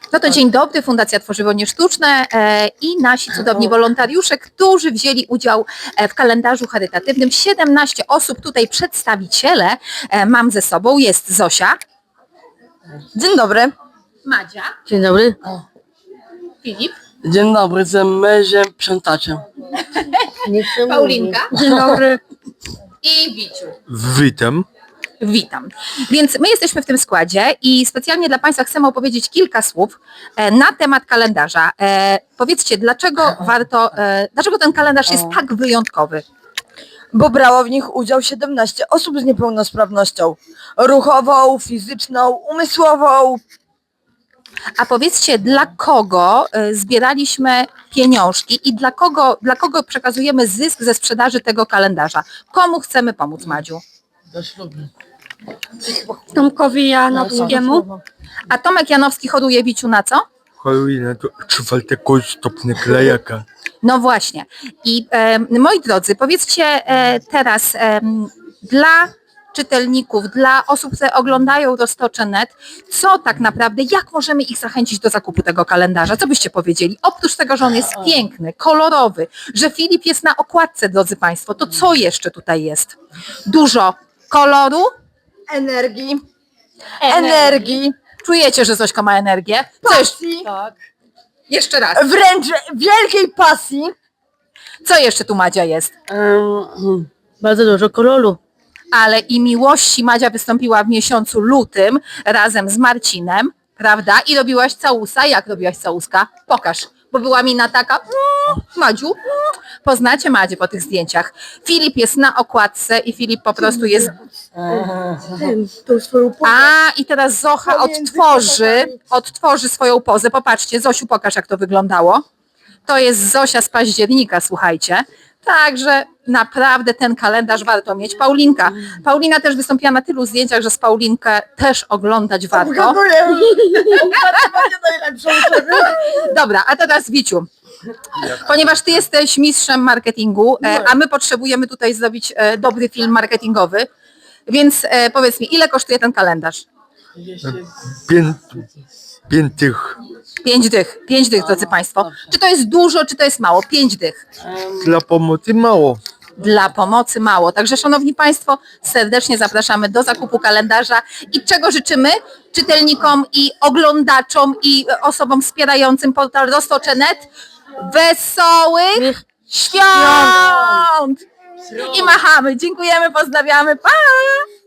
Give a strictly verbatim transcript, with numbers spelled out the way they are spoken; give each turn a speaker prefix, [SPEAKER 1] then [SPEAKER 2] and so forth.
[SPEAKER 1] No to dzień dobry, Fundacja Tworzywo Niesztuczne e, i nasi cudowni wolontariusze, którzy wzięli udział e, w kalendarzu charytatywnym. siedemnaście osób, tutaj przedstawiciele e, mam ze sobą. Jest Zosia.
[SPEAKER 2] Dzień dobry.
[SPEAKER 1] Madzia.
[SPEAKER 3] Dzień dobry.
[SPEAKER 1] Filip.
[SPEAKER 2] Dzień dobry, jestem mężem sprzątaczem.
[SPEAKER 1] Paulinka.
[SPEAKER 3] Dzień dobry.
[SPEAKER 1] I Wiciu.
[SPEAKER 4] Witam.
[SPEAKER 1] Witam. Więc my jesteśmy w tym składzie i specjalnie dla Państwa chcemy opowiedzieć kilka słów e, na temat kalendarza. E, powiedzcie, dlaczego warto, e, dlaczego ten kalendarz jest tak wyjątkowy?
[SPEAKER 2] Bo brało w nich udział siedemnaście osób z niepełnosprawnością ruchową, fizyczną, umysłową.
[SPEAKER 1] A powiedzcie, dla kogo e, zbieraliśmy pieniążki i dla kogo, dla kogo przekazujemy zysk ze sprzedaży tego kalendarza? Komu chcemy pomóc, Madziu?
[SPEAKER 3] Tomkowi Janowskiemu.
[SPEAKER 1] A Tomek Janowski hoduje Wiciu na co?
[SPEAKER 4] Choruje na to czwartego stopnia klejaka.
[SPEAKER 1] No właśnie. I e, moi drodzy, powiedzcie e, teraz e, dla czytelników, dla osób, które oglądają Roztocze kropka net, co tak naprawdę, jak możemy ich zachęcić do zakupu tego kalendarza? Co byście powiedzieli? Oprócz tego, że on jest piękny, kolorowy, że Filip jest na okładce, drodzy Państwo, to co jeszcze tutaj jest? Dużo koloru,
[SPEAKER 2] Energii. Energii.
[SPEAKER 1] czujecie, że Zośka ma energię? Co jeszcze?
[SPEAKER 2] Pasji.
[SPEAKER 1] Jeszcze raz.
[SPEAKER 2] Wręcz wielkiej pasji.
[SPEAKER 1] Co jeszcze tu, Madzia, jest?
[SPEAKER 3] Um, bardzo dużo koloru.
[SPEAKER 1] Ale i miłości Madzia wystąpiła w miesiącu lutym razem z Marcinem, prawda? I robiłaś całusa. Jak robiłaś całuska? Pokaż, bo była mina taka, mm, Madziu, mm. Poznacie Madzię po tych zdjęciach. Filip jest na okładce i Filip po prostu jest...
[SPEAKER 2] Tą swoją
[SPEAKER 1] A, i teraz Zocha odtworzy, odtworzy swoją pozę. Popatrzcie, Zosiu, pokaż, jak to wyglądało. To jest Zosia z października, słuchajcie. Także naprawdę ten kalendarz warto mieć. Paulinka. Paulina też wystąpiła na tylu zdjęciach, że z Paulinkę też oglądać warto. Dobra, a teraz Wiciu. Ponieważ ty jesteś mistrzem marketingu, e, a my potrzebujemy tutaj zrobić e, dobry film marketingowy, więc e, powiedz mi, ile kosztuje ten kalendarz?
[SPEAKER 4] Pię, piętych
[SPEAKER 1] Pięć dych. Pięć dych, drodzy Państwo. Czy to jest dużo, czy to jest mało? Pięć dych.
[SPEAKER 4] dla pomocy mało.
[SPEAKER 1] Dla pomocy mało. Także szanowni Państwo, serdecznie zapraszamy do zakupu kalendarza i czego życzymy czytelnikom i oglądaczom i osobom wspierającym portal Roztocze kropka net? Wesołych świąt! I machamy. Dziękujemy, pozdrawiamy. Pa!